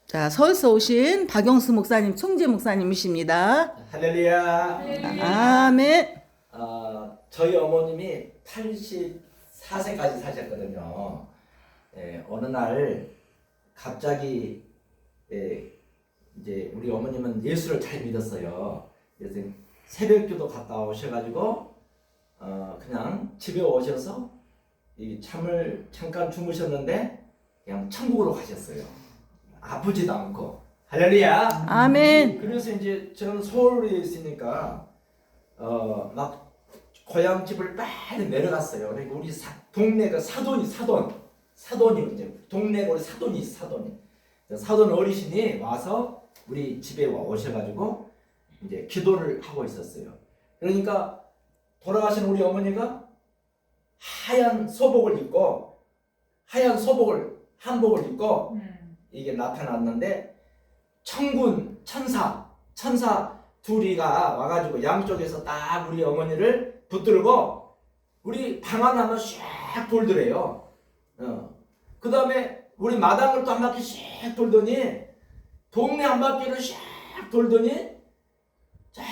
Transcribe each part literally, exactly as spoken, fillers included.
자, 서울서 오신 박영수 목사님, 총재 목사님이십니다. 할렐루야. 아멘. 어, 저희 어머님이 팔십사 세까지 사셨거든요. 예, 어느 날 갑자기 예, 이제 우리 어머님은 예수를 잘 믿었어요. 그래서 새벽기도 갔다 오셔가지고 어, 그냥 집에 오셔서 이 잠을 잠깐 주무셨는데 그냥 천국으로 가셨어요. 아프지도 않고. 할렐루야. 아멘. 그래서 이제 저는 서울에 있으니까 어 막 고향 집을 빨리 내려갔어요. 그리고 우리 사, 동네가 사돈이 사돈 사돈이 이제 동네가 우리 사돈이 사돈이 사돈 어르신이 와서 우리 집에 와 오셔가지고 이제 기도를 하고 있었어요. 그러니까 돌아가신 우리 어머니가 하얀 소복을 입고 하얀 소복을 한복을 입고 이게 나타났는데 천군 천사 천사 둘이가 와가지고 양쪽에서 딱 우리 어머니를 붙들고 우리 방 하나만 샥 돌더래요. 어. 그 다음에 우리 마당을 또 한 바퀴 샥 돌더니 동네 한 바퀴를 샥 돌더니 쫙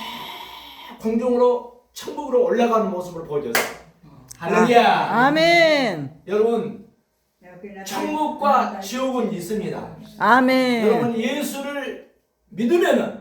공중으로 천국으로 올라가는 모습을 보여줬어요. 할렐루야. 아멘. 여러분 천국과 지옥은 있습니다. 아멘. 여러분 예수를 믿으면은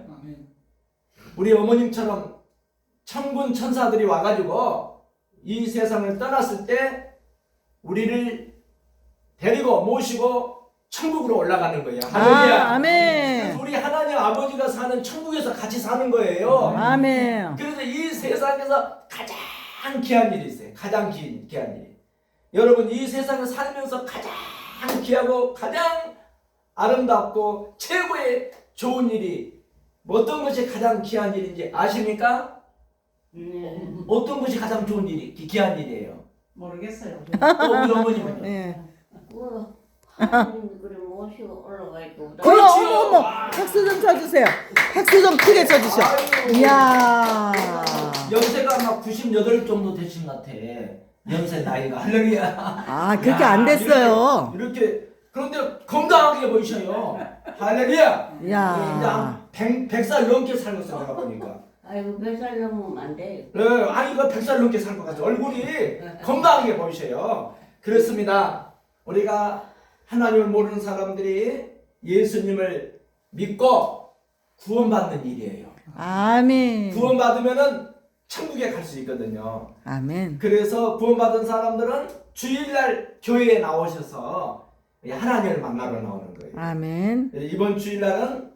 우리 어머님처럼 천군 천사들이 와가지고 이 세상을 떠났을 때 우리를 데리고 모시고 천국으로 올라가는 거예요. 할렐루야. 아, 아멘. 그래서 우리 하나님 아버지가 사는 천국에서 같이 사는 거예요. 아멘. 그래서 이 세상에서 가장 귀한 일이 있어요. 가장 귀, 귀한 일이. 여러분 이 세상을 살면서 가장 귀하고 가장 아름답고 최고의 좋은 일이 어떤 것이 가장 귀한 일인지 아십니까? 네. 어떤 것이 가장 좋은 일이 귀한 일이에요? 모르겠어요. 또 우리 어머님은요? 네. 뭐 하나님 그래 모시고 올라가 있고. 어머, 그렇지요. 어머, 어머. 박수 좀 쳐주세요. 박수 좀 크게 쳐주셔. 아이고. 이야. 연세가 아마 구십팔 정도 되신 것 같아. 연세 나이가. 할렐루야. 아, 그렇게 안 됐어요. 이렇게, 이렇게 그런데 건강하게 보이셔요. 할렐루야. 이제 이야. 한 백, 백 살 넘게 살았어 내가 보니까. 아이고 몇 살 넘으면 안 돼. 네, 아이가 백 살 넘게 살 것 같아요. 얼굴이 건강하게 보이셔요. 그렇습니다. 우리가 하나님을 모르는 사람들이 예수님을 믿고 구원받는 일이에요. 아멘. 구원받으면은 천국에 갈 수 있거든요. 아멘. 그래서 구원받은 사람들은 주일날 교회에 나오셔서 하나님을 만나러 나오는 거예요. 아멘. 이번 주일날은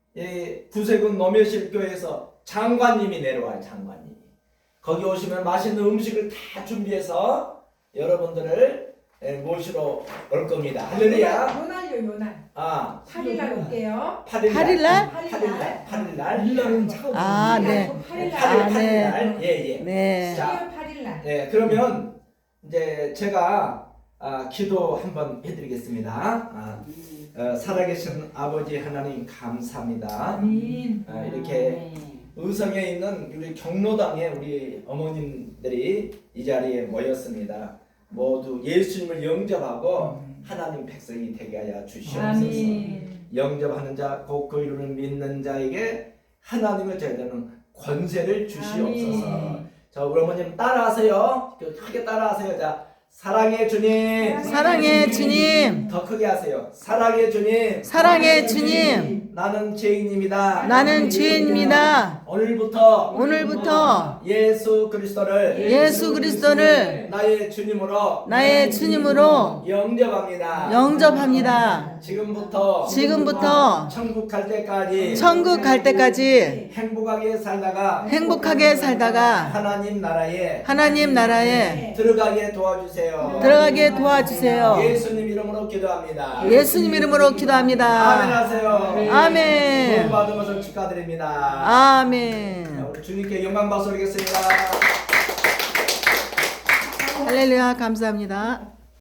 구세군 노매실 교회에서 장관님이 내려와요. 장관님이 거기 오시면 맛있는 음식을 다 준비해서 여러분들을 모시러 올 겁니다. 할렐루야. 요날요 요날. 아, 팔 일날 올게요. 팔 일 팔 일 날? 팔 일 날. 팔 일 날. 아, 네. 팔 일 팔 일, 날. 아, 팔 일 네. 날. 예, 예. 네. 자, 팔 일 날. 네, 그러면 이제 제가 아, 기도 한번 해드리겠습니다. 아, 어, 살아계신 아버지 하나님 감사합니다. 아멘. 아, 이렇게 의성에 있는 우리 경로당에 우리 어머님들이 이 자리에 모였습니다. 모두 예수님을 영접하고 하나님 백성이 되게 하여 주시옵소서. 아멘. 영접하는 자, 곧 그 이름을 믿는 자에게 하나님의 제자는 권세를 주시옵소서. 아멘. 자, 우리 어머님 따라하세요. 크게 따라하세요. 자, 사랑의 주님. 사랑의 주님. 더 크게 하세요. 사랑의 주님. 사랑의 주님. 나는 죄인입니다. 나는 죄인입니다. 오늘부터 오늘부터 예수 그리스도를 예수 그리스도를 나의 주님으로 나의 주님으로 영접합니다. 영접합니다. 지금부터 지금부터 천국 갈 때까지 천국 갈 때까지 행복하게 살다가 행복하게 살다가 하나님 나라에 하나님 나라에 들어가게 도와주세요. 들어가게 도와주세요. 예수님 이름으로 기도합니다. 예수님 이름으로 아멘 기도합니다. 하세요. 아멘. 구원 받은 것을 축하드립니다. 아멘. 우리 주님께 영광 박수 드리겠습니다. 할렐루야. 감사합니다.